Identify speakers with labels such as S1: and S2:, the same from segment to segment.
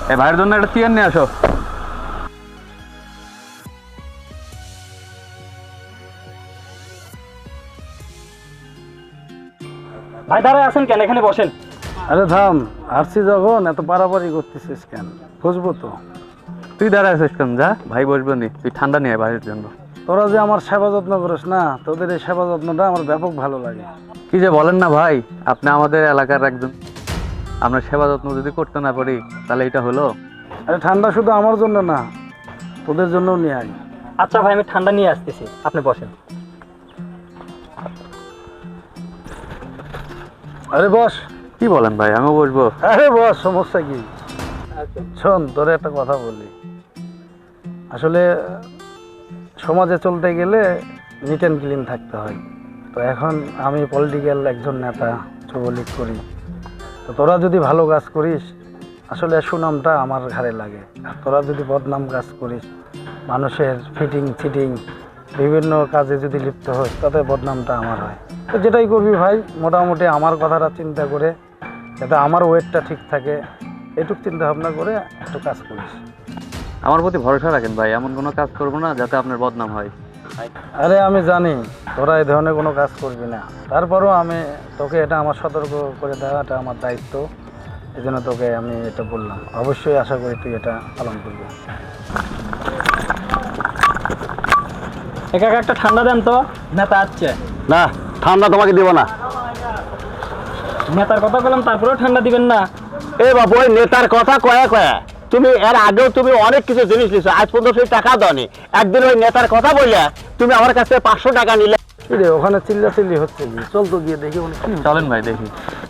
S1: এই ভাইয়ের জন্য একটা চেয়ার নিয়ে আসো।
S2: ভাই দাঁড়ায় আছেন কেন? এখানে বসেন।
S3: আরে থাম, আসছি যখন এত পারাপারি করতেছিস কেন? বুঝবো তো।
S1: তুই দাঁড়ায় আছিস কেন? যা, ভাই বসবো নি, তুই ঠান্ডা নিয়ে আয় ভাইয়ের জন্য।
S3: তোরা যে আমার সেবা যত্ন করিস না, তোদের এই সেবা যত্নটা আমার ব্যাপক ভালো লাগে।
S1: কি যে বলেন না ভাই, আপনি আমাদের এলাকার একজন, আমরা সেবা যত্ন যদি করতে না পারি তাহলে এটা হলো?
S3: আরে ঠান্ডা শুধু আমার জন্য না, তোদের জন্যও নিয়ে আয়।
S2: আচ্ছা ভাই, আমি ঠান্ডা নিয়ে আসতেছি, আপনি বসেন।
S3: আরে বস।
S1: কি বলেন ভাই, আমিও বসবো?
S3: আরে বস, সমস্যা কি? শোন, তোরে একটা কথা বলি। আসলে সমাজে চলতে গেলে নিট অ্যান্ড ক্লিন থাকতে হয়। তো এখন আমি পলিটিক্যাল একজন নেতা, যুবলীগ করি। তো তোরা যদি ভালো কাজ করিস, আসলে সুনামটা আমার ঘাড়ে লাগে। আর তোরা যদি বদনাম কাজ করিস, মানুষের ফিটিং চিটিং বিভিন্ন কাজে যদি লিপ্ত হোস, তাতে বদনামটা আমার হয়। তো যেটাই করবি ভাই, মোটামুটি আমার কথাটা চিন্তা করে, যাতে আমার ওয়েটটা ঠিক থাকে, এটুক চিন্তা ভাবনা করে একটু কাজ করিস।
S1: আমার প্রতি ভরসা রাখেন ভাই, এমন কোনো কাজ করবো না যাতে আপনার বদনাম হয়।
S3: আরে আমি জানি তোরা এই ধরনের কোনো কাজ করবি না, তারপরও আমি তোকে এটা আমার সতর্ক করে দেওয়াটা আমার দায়িত্ব। এই জন্য তোকে আমি এটা বললাম। অবশ্যই আশা করি তুই এটা পালন করবি।
S2: একা একটা ঠান্ডা দেন তো, নেতা আসছে।
S4: না, ঠান্ডা তোমাকে দিব না।
S2: নেতার কথা বললাম, তারপরেও ঠান্ডা দিবেন না?
S4: এ বাবু, ওই নেতার কথা কয়া কয়া তুমি এর আগেও তুমি অনেক কিছু জিনিস নিছো, আজ পর্যন্ত সেই টাকা দাওনি। একদিন ওই নেতার কথা বললে তুমি আমার কাছে 500 টাকা নিলে।
S3: কি রে, ওখানে চিল্লাচিল্লি হচ্ছে কি? চল তো গিয়ে দেখি ওখানে কি।
S1: চলেন ভাই দেখি।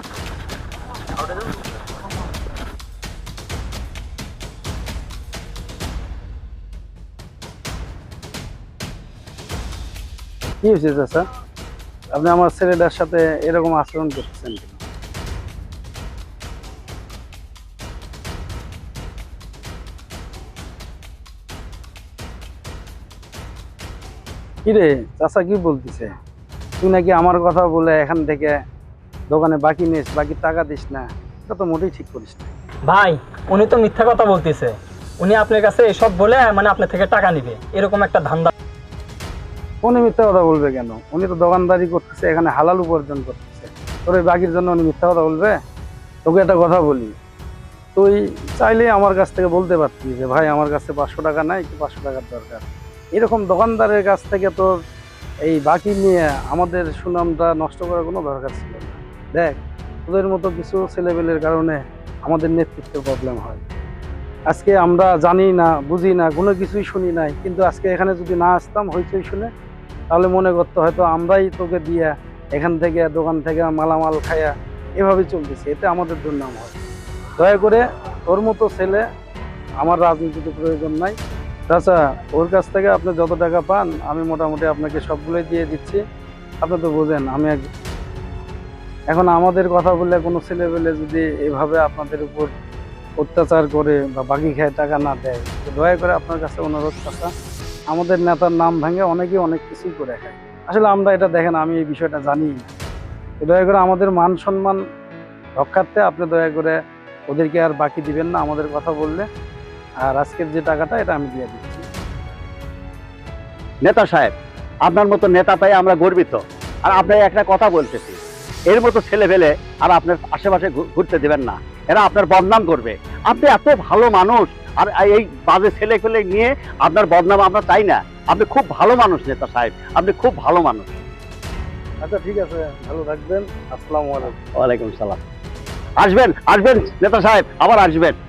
S3: কি হয়েছে চাচা? আপনি আমার ছেলেটার সাথে এরকম আচরণ করতেছেন কেন? কিরে চাচা, কি বলতেছে? তুই নাকি আমার কথা বলে এখান থেকে দোকানে বাকি নিস, বাকি টাকা দিস না। এটা তো মোটেই ঠিক করিস না।
S2: ভাই, উনি তো মিথ্যা কথা বলতেছে। উনি আপনার কাছে এসব বলে মানে আপনার থেকে টাকা নিবে, এরকম একটা ধান্দা।
S3: উনি মিথ্যা কথা বলবে কেন? উনি তো দোকানদারি করতেছে, এখানে হালাল উপার্জন করতেছে। তোর এই বাকির জন্য উনি মিথ্যা কথা বলবে? তোকে একটা কথা বলি, তুই চাইলে আমার কাছ থেকে বলতে পারতি যে ভাই আমার কাছে 500 টাকা নাই, একটু 500 টাকার দরকার। এরকম দোকানদারের কাছ থেকে তোর এই বাকি নিয়ে আমাদের সুনামটা নষ্ট করার কোনো দরকার ছিল না। দেখ, তোদের মতো কিছু ছেলেপেলের কারণে আমাদের নেতৃত্বের প্রবলেম হয়। আজকে আমরা জানি না, বুঝি না, কোনো কিছুই শুনি নাই, কিন্তু আজকে এখানে যদি না আসতাম হইচই শুনে, তাহলে মনে করতে হয়তো আমরাই তোকে দিয়ে এখান থেকে দোকান থেকে মালামাল খায়া এভাবে চলতেছে। এতে আমাদের দুর্নাম হয়। দয়া করে ওর মতো ছেলে আমার রাজনীতিতে প্রয়োজন নাই। চাচা, ওর কাছ থেকে আপনি যত টাকা পান আমি মোটামুটি আপনাকে সবগুলোই দিয়ে দিচ্ছি। আপনি তো বোঝেন আমি এখন আমাদের কথা বললে কোনো ছেলেপেলে যদি এভাবে আপনাদের উপর অত্যাচার করে বা বাকি খায় টাকা না দেয়, তো দয়া করে আপনার কাছে অনুরোধ চাচা, আমাদের নেতার নাম ভেঙে অনেকেই অনেক কিছুই করে খায়। আসলে আমরা এটা দেখেন, আমি এই বিষয়টা জানি না। তো দয়া করে আমাদের মান সম্মান রক্ষার্থে আপনি দয়া করে ওদেরকে আর বাকি দিবেন না আমাদের কথা বললে। আর আজকের যে টাকাটা এটা আমি দিয়ে দিচ্ছি।
S4: নেতা সাহেব, আপনার মতো নেতা পাই আমরা গর্বিত। আর আপনার একটা কথা বলতেছি, এর মতো ছেলে পেলে আর আপনার আশেপাশে ঘুরতে দেবেন না, এরা আপনার বদনাম করবে। আপনি এত ভালো মানুষ, আর এই বাজে ছেলে পেলে নিয়ে আপনার বদনাম আমরা চাই না। আপনি খুব ভালো মানুষ নেতা সাহেব, আপনি খুব ভালো মানুষ।
S3: আচ্ছা ঠিক আছে, ভালো থাকবেন। আসসালামু আলাইকুম।
S4: ওয়ালাইকুম সালাম। আসবেন আসবেন নেতা সাহেব, আবার আসবেন।